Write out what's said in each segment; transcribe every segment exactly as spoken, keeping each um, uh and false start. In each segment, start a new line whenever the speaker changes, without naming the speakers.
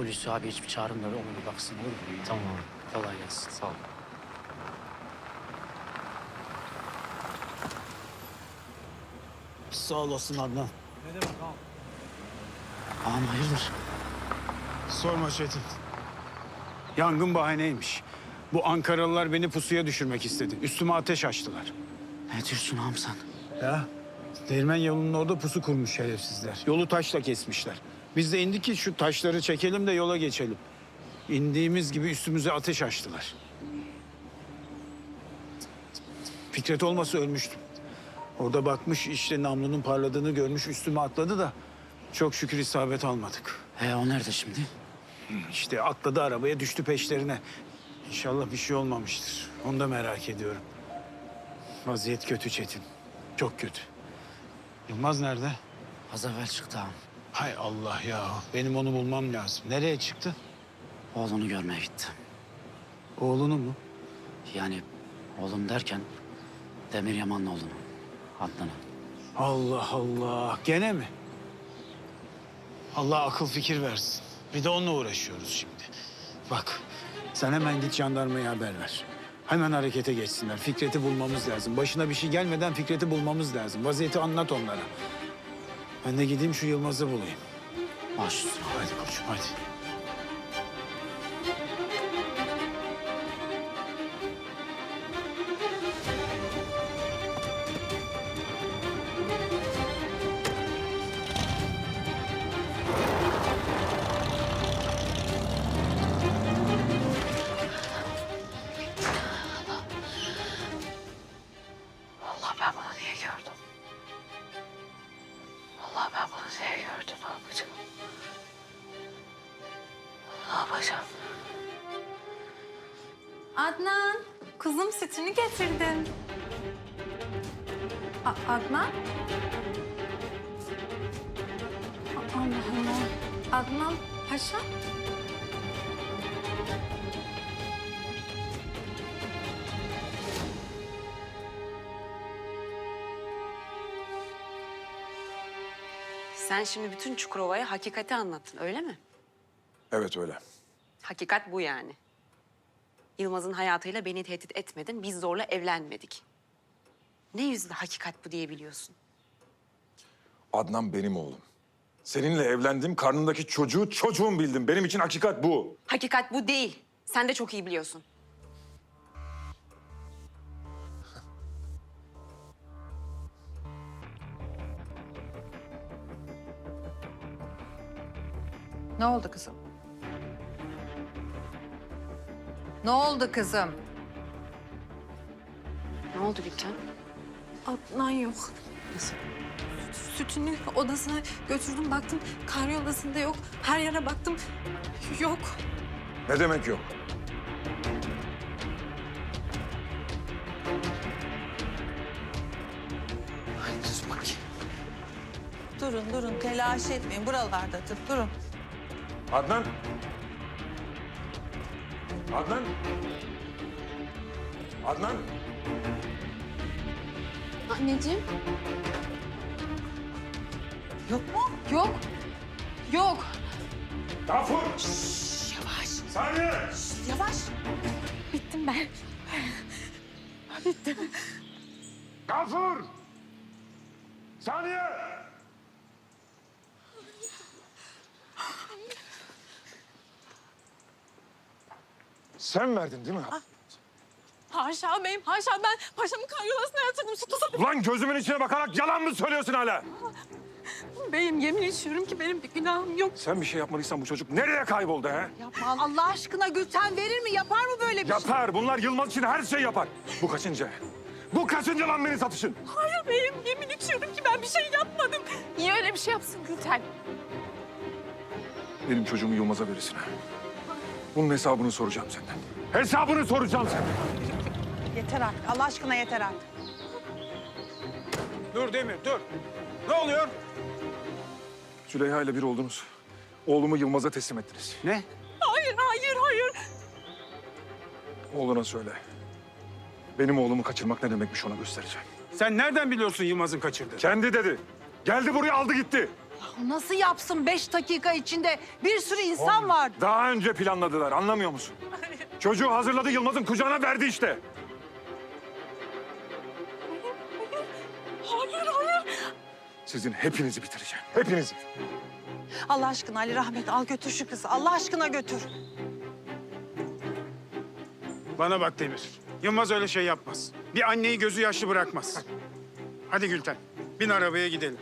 Hulusi abi hiçbir çağırın da ona bir baksın olur mu?
Tamam abi.
Kolay gelsin.
Sağ ol.
Sağ olasın Adnan.
Ne demek ağam?
Ağam hayırdır?
Sorma Çetin. Yangın bahaneymiş. Bu Ankaralılar beni pusuya düşürmek istedi. Üstüme ateş açtılar.
Ne diyorsun ağam sen?
Ya değirmen yolunun orada pusu kurmuş şerefsizler. Yolu taşla kesmişler. Biz de indik ki şu taşları çekelim de yola geçelim. İndiğimiz gibi üstümüze ateş açtılar. Fikret olmasa ölmüştüm. Orada bakmış işte namlunun parladığını görmüş üstüme atladı da çok şükür isabet almadık.
He o nerede şimdi?
İşte atladı arabaya düştü peşlerine. İnşallah bir şey olmamıştır. Onu da merak ediyorum. Vaziyet kötü Çetin. Çok kötü. Yılmaz nerede?
Az evvel çıktı ağam.
Hay Allah ya. Benim onu bulmam lazım. Nereye çıktı?
Oğlunu görmeye gitti.
Oğlunu mu?
Yani oğlum derken Demir Yaman'la oğlunu. Adnan'ı.
Allah Allah. Gene mi? Allah akıl fikir versin. Bir de onunla uğraşıyoruz şimdi. Bak sen hemen git jandarmaya haber ver. Hemen harekete geçsinler. Fikret'i bulmamız lazım. Başına bir şey gelmeden Fikret'i bulmamız lazım. Vaziyeti anlat onlara. Ben de gideyim şu Yılmaz'ı bulayım.
Baş üstüne.
Hadi koçum hadi.
Allah ben bunu niye gördüm? Allah ben bunu niye gördüm? Ne yapacağım? Ne yapacağım?
Adnan, kızım sütünü getirdim. A- Adnan? A- Allah Allah. Adnan Paşa?
Sen şimdi bütün Çukurova'ya hakikati anlattın, öyle mi?
Evet öyle.
Hakikat bu yani. Yılmaz'ın hayatıyla beni tehdit etmedin, biz zorla evlenmedik. Ne yüzle hakikat bu diyebiliyorsun?
Adnan benim oğlum. Seninle evlendim, karnındaki çocuğu çocuğum bildim. Benim için hakikat bu.
Hakikat bu değil. Sen de çok iyi biliyorsun.
Ne oldu kızım? Ne oldu kızım?
Ne oldu Gülten?
Adnan yok.
Nasıl?
Sütünü odasına götürdüm, baktım karyolasında yok. Her yere baktım, yok.
Ne demek yok?
Ay dur bakayım.
Durun durun telaş etmeyin buralardadır durun.
Adnan! Adnan! Adnan!
Anneciğim,
Yok mu?
yok. Yok.
Gafur!
Yavaş
Saniye!
yavaş.
Bittim ben.
Gafur! Saniye! Sen verdin değil mi?
Haşa beyim, haşa, ben paşamın karyolasına yatırdım. Sütü satıp.
Ulan gözümün içine bakarak yalan mı söylüyorsun hala?
Beyim, yemin ediyorum ki benim bir günahım yok.
Sen bir şey yapmadıysan bu çocuk nereye kayboldu ha?
Yapma Allah aşkına Gülten verir mi? Yapar mı böyle bir şey?
Yapar. Bunlar Yılmaz için her şey yapar. Bu kaçıncı? Bu kaçıncı lan beni satışın?
Hayır beyim, yemin ediyorum ki ben bir şey yapmadım. Niye öyle bir şey yapsın Gülten?
Benim çocuğumu Yılmaz'a verirsin ha. Bunun hesabını soracağım senden. Hesabını soracağım senden.
Yeter artık Allah aşkına yeter artık.
Dur Demir dur. Ne oluyor?
Züleyha ile bir oldunuz. Oğlumu Yılmaz'a teslim ettiniz.
Ne?
Hayır, hayır, hayır.
Oğluna söyle. Benim oğlumu kaçırmak ne demekmiş ona göstereceğim.
Sen nereden biliyorsun Yılmaz'ın kaçırdığını?
Kendi dedi. Geldi buraya aldı gitti.
Nasıl yapsın beş dakika içinde? Bir sürü insan var.
Daha önce planladılar, anlamıyor musun? Çocuğu hazırladı, Yılmaz'ın kucağına verdi işte.
Hayır, hayır.
Sizin hepinizi bitireceğim, hepinizi.
Allah aşkına Ali Rahmet al götür şu kızı. Allah aşkına götür.
Bana bak Demir. Yılmaz öyle şey yapmaz. Bir anneyi gözü yaşlı bırakmaz. Hadi Gülten, bin arabaya gidelim.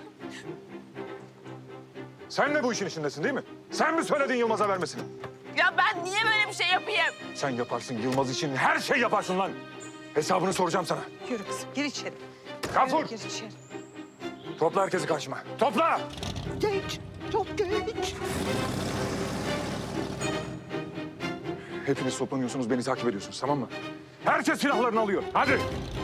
Sen de bu işin içindesin değil mi? Sen mi söyledin Yılmaz'a vermesini?
Ya ben niye böyle bir şey yapayım?
Sen yaparsın, Yılmaz için her şey yaparsın lan. Hesabını soracağım sana.
Yürü kızım gir içeri.
Gafur,
Yürü, gir içeri.
topla herkesi karşıma. Topla!
Geç, çok geç.
Hepiniz toplanıyorsunuz, beni takip ediyorsunuz, tamam mı? Herkes silahlarını alıyor. Hadi!